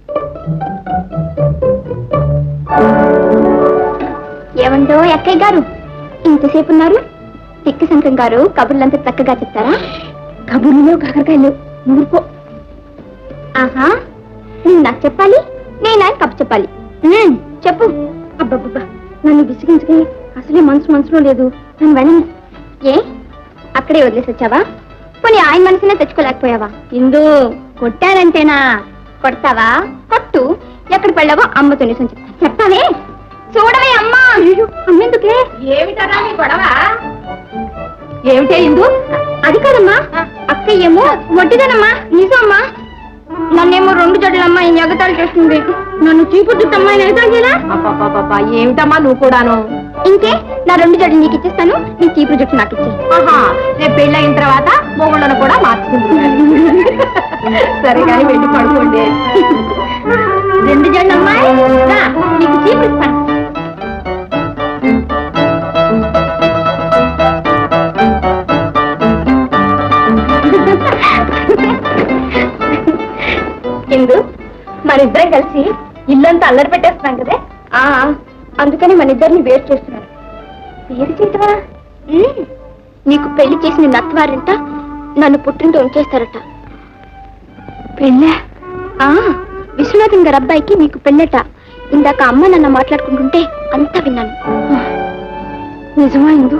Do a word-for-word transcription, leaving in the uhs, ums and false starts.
ఏమండో అక్కయ్య గారు, ఇంతసేపు ఉన్నారు? తిక్కి శంకరం గారు కబుర్లంతా చక్కగా చెప్తారా? కబుర్లో కాకరకాయలు నూరుకో. ఆహా, నువ్వు నాకు చెప్పాలి, నేను ఆయన కబు చెప్పాలి. చెప్పు. అబ్బబ్బబ్బా, నన్ను విసిగించుకి అసలే మనసు మనసులో లేదు. నన్ను వెళ్ళను. ఏ అక్కడే వదిలేసి వచ్చావా? పోనీ ఆయన మనసునే తెచ్చుకోలేకపోయావా? ఇందు కొట్టారంటేనా? కొడతావా? కొట్టు. ఎక్కడ పడ్డావో అమ్మతో నిజం చెప్తా. చెప్తావే? చూడవే అమ్మా. అమ్మెందుకే? ఏమిటరా నీ గొడవ? ఏమిటే ఇందు? అది కాదమ్మా, అక్కయ్యేమో వడ్డీదనమ్మా. నిజమ్మా, నన్నేమో రెండు జడ్లమ్మా ఈ ఎగతాలు చేస్తుంది. నన్ను చీపు చుట్టమ్మా ఎగతాలు చేయరా? ఏమిటమ్మా నువ్వు కూడాను? ఇంకే, నా రెండు జడ్లు నీకు ఇచ్చేస్తాను, నీ చీపు జుట్టు నాకు ఇచ్చే. ఆహా, రేపు పెళ్ళయిన తర్వాత మొగుళ్ళను కూడా మార్చుకుంటున్నాను. సరే కానీ వెళ్ళి పడుకోండి. రెండు జడ్లు అమ్మాయి, నీకు చీపు ఇస్తాను. ఇందు, మనిద్దరం కలిసి ఇల్లంతా అల్లరి పెట్టేస్తున్నాం కదే. అందుకని మన ఇద్దరిని వేరు చేస్తున్నాను. వేరు చేయటమా? నీకు పెళ్లి చేసిన నత్వారంట నన్ను పుట్టింటూ ఉంచేస్తారట. పెళ్ళా? విశ్వనాథన్ గారి అబ్బాయికి నీకు పెళ్ళట. ఇందాక అమ్మ నన్ను మాట్లాడుకుంటుంటే అంతా విన్నాను. నిజమా ఇందు?